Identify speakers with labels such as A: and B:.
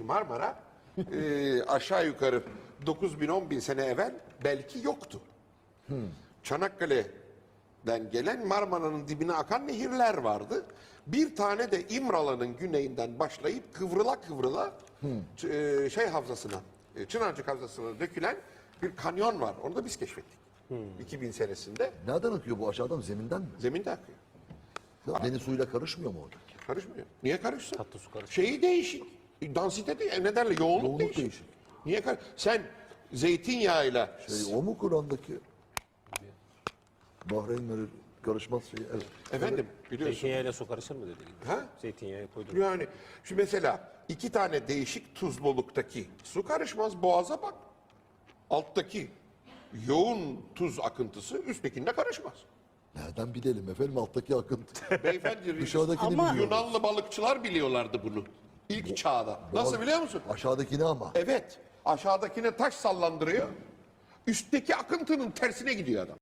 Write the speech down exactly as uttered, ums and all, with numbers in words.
A: Marmara e, aşağı yukarı dokuz bin on bin sene evvel belki yoktu. Hmm. Çanakkale'den gelen Marmara'nın dibine akan nehirler vardı. Bir tane de İmralı'nın güneyinden başlayıp kıvrıla kıvrıla hmm. e, şey havzasına, e, Çınarcık havzasına dökülen bir kanyon var. Onu da biz keşfettik. Hmm. iki bin senesinde.
B: Nereden akıyor bu, aşağıdan, zeminden mi?
A: Zeminde akıyor.
B: Ya deniz suyuyla karışmıyor mu orada?
A: Karışmıyor. Niye karışsın?
C: Tatlı su karışıyor.
A: Şeyi değişik. Dansite değil. Ne derler? Yoğunluk,
B: Yoğunluk
A: değişik.
B: değişik.
A: Niye kar? Sen zeytinyağıyla
B: Şey, o mu Kur'an'daki? Bahreynleri karışmaz şey. Evet.
A: efendim biliyorsun.
C: Zeytinyağıyla su karışır mı dedi.
A: Ha?
C: Zeytinyağı koydum.
A: Yani şu mesela iki tane değişik tuzluluktaki su karışmaz. Boğaza bak. Alttaki yoğun tuz akıntısı üsttekinde karışmaz.
B: Nereden bilelim efendim alttaki akıntı?
A: Beyefendi
B: Dışarıdakini
D: Ama-
B: biliyoruz.
A: Yunanlı balıkçılar biliyorlardı bunu. İlk çağda. Nasıl biliyor musun?
B: Aşağıdakini ama.
A: Evet. Aşağıdakine taş sallandırıyor. Üstteki akıntının tersine gidiyor adam.